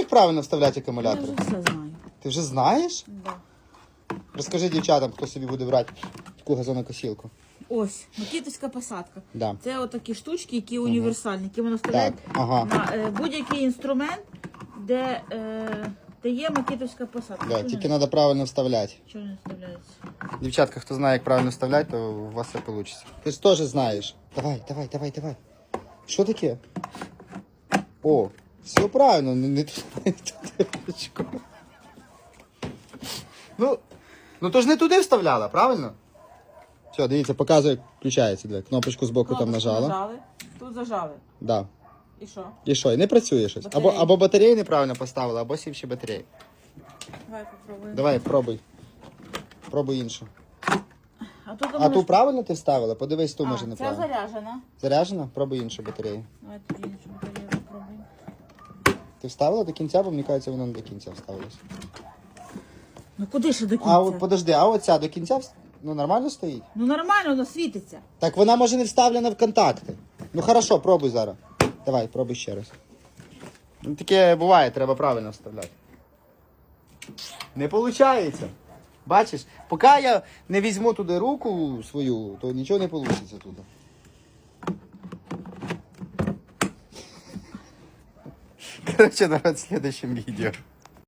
як правильно вставляти Я акумулятори? вже все знаю. Ти вже знаєш? Да. Розкажи дівчатам, хто собі буде брати таку газонокосілку. Ось, макітовська посадка. Да. Це отакі штучки, які універсальні, які можна вставляти Так, ага. на будь-який інструмент, де є макітовська посадка. Да, тільки треба правильно вставляти. Чого не вставляється? Дівчатка, хто знає, як правильно вставляти, то у вас все вийде. Ти ж теж знаєш. Давай. Що таке? О, все правильно, не туди ручку. Ну то ж не туди вставляла, правильно? Все, дивіться, показує, включається. Диви. Кнопочку збоку там нажала. Нажали, тут зажали. Да. І що? І що? І не працює щось. Батареї. Або батареї неправильно поставила, або сівші батареї. Давай попробуємо. Давай, пробуй. Пробуй іншу. А Ту правильно ти вставила? Подивись, ту може Це неправильно. заряджена. Заряджена? Пробуй іншу батарею. Давай тоді іншу батарею попробуємо. Ти вставила до кінця, бо мені кажеться, воно не до кінця вставилось. Ну куди ще до кінця? А от подожди, а оця до кінця нормально стоїть? Ну нормально, воно світиться. Так вона може не вставлена в контакти. Ну хорошо, пробуй зараз. Давай, пробуй ще раз. Ну, таке буває, треба правильно вставляти. Не виходить. Бачиш, поки я не візьму туди руку свою, то нічого не вийде туди. Короче, народ, в следующем видео.